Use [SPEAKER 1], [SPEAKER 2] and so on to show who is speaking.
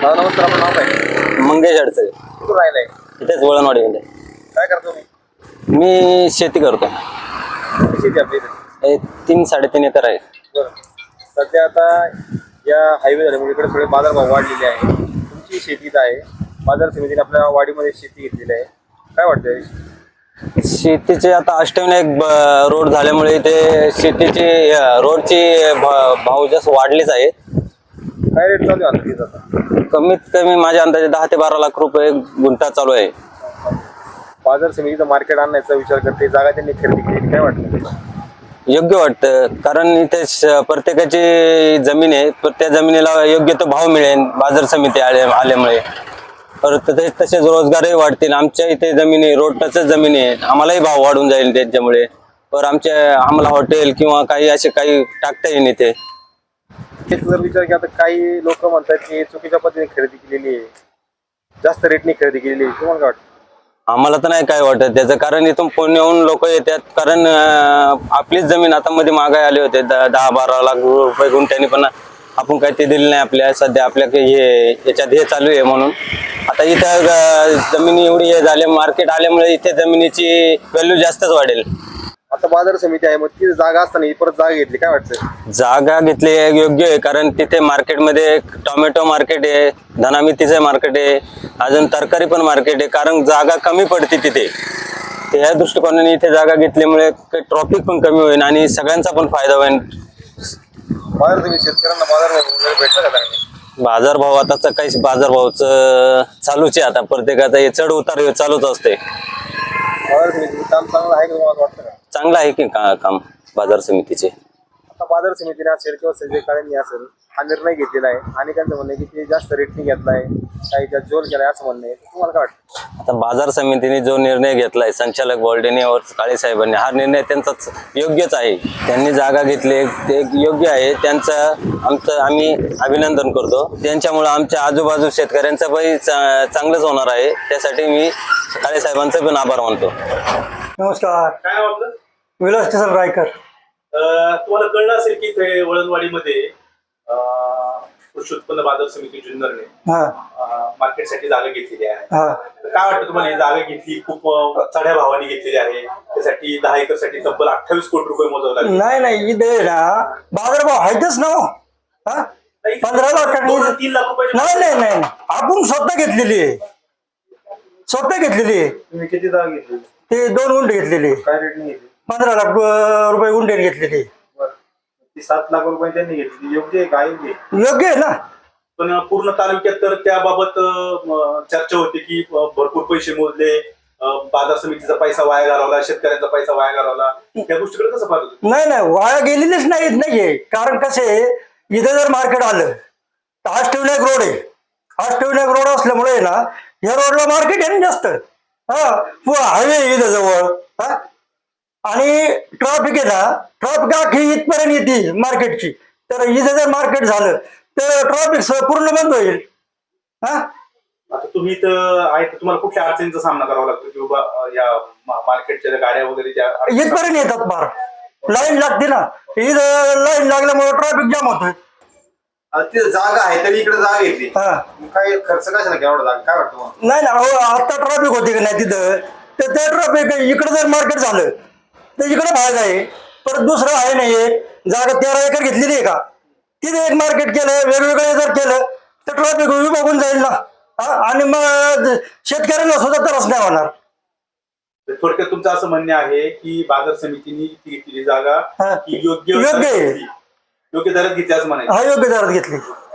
[SPEAKER 1] नमस्कार, आपलं नाव काय?
[SPEAKER 2] मंगेश अडचण
[SPEAKER 1] कुठून राहिलाय?
[SPEAKER 2] इथेच वळणवाडीमध्ये.
[SPEAKER 1] काय करतो मी?
[SPEAKER 2] मी शेती करतो.
[SPEAKER 1] किती शेती आपली इथे?
[SPEAKER 2] 3-3.5 एकर आहे.
[SPEAKER 1] बरं. सध्या आता या हायवे झाल्यामुळे इकडे थोडे बाजारभाव वाढलेले आहे. तुमची शेती इथं आहे, बाजार समितीने आपल्या वाडीमध्ये शेती घेतलेली आहे, काय वाटतंय?
[SPEAKER 2] शेतीचे आता अष्टविनायक रोड झाल्यामुळे इथे शेतीची रोडची भाव जास्त वाढलेच आहेत.
[SPEAKER 1] काय रेट चालू आहे आता आता?
[SPEAKER 2] कमीत कमी माझ्या अंदाजे 10 ते 12 लाख रुपये गुंठा चालू आहे.
[SPEAKER 1] बाजार समितीचं मार्केट आणण्याचा विचार करते, जागा त्यांनी खरेदी केली, काय वाटतं?
[SPEAKER 2] योग्य वाटतं, कारण इथे प्रत्येकाची जमीन आहे, त्या जमिनीला योग्य तो भाव मिळेल बाजार समिती आल्यामुळे. परत तसेच रोजगारही वाढतील. आमच्या इथे जमिनी रोड टचच जमिनी आहे, आम्हालाही भाव वाढून जाईल त्याच्यामुळे. तर आम्हाला हॉटेल किंवा काही असे काही टाकता येईल इथे.
[SPEAKER 1] जर विचार की आता काही लोक म्हणतात की चुकीच्या पद्धतीने खरेदी केलेली आहे, जास्त रेटने खरेदी केलेली आहे, तुम्हाला काय वाटतं?
[SPEAKER 2] आम्हाला तर नाही काय वाटत त्याचं, कारण इथून पुण्याहून लोक येतात. कारण आपलीच जमीन आता मध्ये महागाई आले होते 10-12 लाख रुपये गुंठ्यानी, पण आपण काही ते दिले नाही आपल्या. सध्या आपल्या हे याच्यात हे चालू आहे म्हणून आता इथं जमिनी एवढी हे झाले, मार्केट आल्यामुळे इथे जमिनीची व्हॅल्यू जास्तच वाढेल.
[SPEAKER 1] आता बाजार समिती आहे, मग ती जागा असताना परत जागा घेतली, काय वाटतं?
[SPEAKER 2] जागा घेतली योग्य आहे, कारण तिथे मार्केटमध्ये टोमॅटो मार्केट आहे, धना मेथीचं मार्केट आहे, अजून तरकारी पण मार्केट आहे. कारण जागा कमी पडते तिथे, त्या दृष्टिकोनाने इथे जागा घेतल्यामुळे ट्रॉफिक पण कमी होईल आणि सगळ्यांचा पण फायदा होईल.
[SPEAKER 1] बाजार समिती शेतकऱ्यांना बाजारभाव वगैरे भेटला का चांगले?
[SPEAKER 2] बाजारभाव आताच काही बाजारभावचं चालूच आहे, आता प्रत्येकाचा हे चढ उतार चालूच असते.
[SPEAKER 1] बाजार समितीचं काम चांगलं आहे का तुम्हाला वाटतं का?
[SPEAKER 2] चांगलं आहे की काम बाजार समितीचे.
[SPEAKER 1] आता बाजार समितीने असेल किंवा संजय काळेंनी असेल हा निर्णय घेतलेला आहे, आणि त्यांचं म्हणणं आहे की ते जास्त रेटने घेतलाय, काही त्यात जोर केलाय असं म्हणणं आहे, तुम्हाला काय वाटतं?
[SPEAKER 2] आता बाजार समितीने जो निर्णय घेतलाय संचालक बोर्डेने और काळे साहेबांनी, हा निर्णय त्यांचाच योग्यच आहे. त्यांनी जागा घेतली ते योग्य आहे, त्यांचं आम्ही अभिनंदन करतो. त्यांच्यामुळे आमच्या आजूबाजू शेतकऱ्यांचं पण चांगलंच होणार आहे. त्यासाठी मी काळे साहेबांचा पण आभार मानतो.
[SPEAKER 3] नमस्कार,
[SPEAKER 1] काय नाव आपलं?
[SPEAKER 3] विलास किसन रायकर.
[SPEAKER 1] तुम्हाला कळलं असेल की ते वळणवाडीमध्ये कृषी उत्पन्न बाजार समिती जुन्नरने मार्केटसाठी जागा घेतलेली आहे. काय वाटतं तुम्हाला? ही जागा घेतली खूप चढ्या भावाने घेतलेली आहे, त्यासाठी 10 एकर साठी तब्बल 28 कोटी रुपये मोजावे लागले.
[SPEAKER 3] नाही इथे ना बाजारभाव आहेतच ना. 15 लाख
[SPEAKER 1] 3 लाख रुपये.
[SPEAKER 3] नाही आपण स्वतः घेतलेली आहे.
[SPEAKER 1] तुम्ही किती जागा घेतली?
[SPEAKER 3] ते 2 गुंठे घेतलेली.
[SPEAKER 1] काय रेटने घेतली?
[SPEAKER 3] 15 लाख रुपये गुंठे घेतलेली.
[SPEAKER 1] ती 7 लाख रुपये त्यांनी घेतली, योग्य आहे का?
[SPEAKER 3] योग्य आहे ना.
[SPEAKER 1] पण पूर्ण तालुक्यात तर त्याबाबत चर्चा होती की भरपूर पैसे मोजले, बाजार समितीचा पैसा वाया घालवला, शेतकऱ्यांचा पैसा वाया घालवला. त्या गोष्टीकडे कसं पाहतो?
[SPEAKER 3] नाही वाया गेलेलीच नाहीये. कारण कसे इथं जर मार्केट आलं तर अष्टविनायक रोड आहे. अष्टविनायक रोड असल्यामुळे ना या रोडला मार्केट आहे ना जास्त. हायवे इथं जवळ, आणि ट्रॉफिक आहे ना, ट्रॉफिक अख्खी इथपर्यंत येते मार्केटची. तर इथं जर मार्केट झालं तर ट्रॉफिक पूर्ण बंद होईल.
[SPEAKER 1] आता तुम्ही इथं आहे तर तुम्हाला कुठल्या अडचणीचा सामना करावा लागतो की बाबा या मार्केटच्या गाड्या वगैरे
[SPEAKER 3] इथपर्यंत येतात? फार लाईन लागते ना, इथं लाईन लागल्यामुळे ट्रॉफिक जाम होतोय.
[SPEAKER 1] तिथं जागा आहे तरी इकडे जागा घेतली, काय खर्च कशाला एवढा जागा? काय वाटतं?
[SPEAKER 3] नाही ना, आता ट्रॉफिक होते की नाही तिथं, तर ते ट्रॉफिक इकडे जर मार्केट झालं तर इकडे भाग आहे. परत दुसरं आहे नाही, जागा 13 एकर घेतलेली आहे का, तिथे एक मार्केट केलं, वेगवेगळे जर केलं तर ट्रॉफिक बघून जाईल ना. आणि मग शेतकऱ्यांना सुद्धा त्रास नाही होणार.
[SPEAKER 1] थोडक्यात तुमचं असं म्हणणं आहे की बाजार समितीने घेतलेली जागा योग्य
[SPEAKER 3] योग्य
[SPEAKER 1] दरात घेतली असं म्हणायचं?
[SPEAKER 3] योग्य दरात घेतली.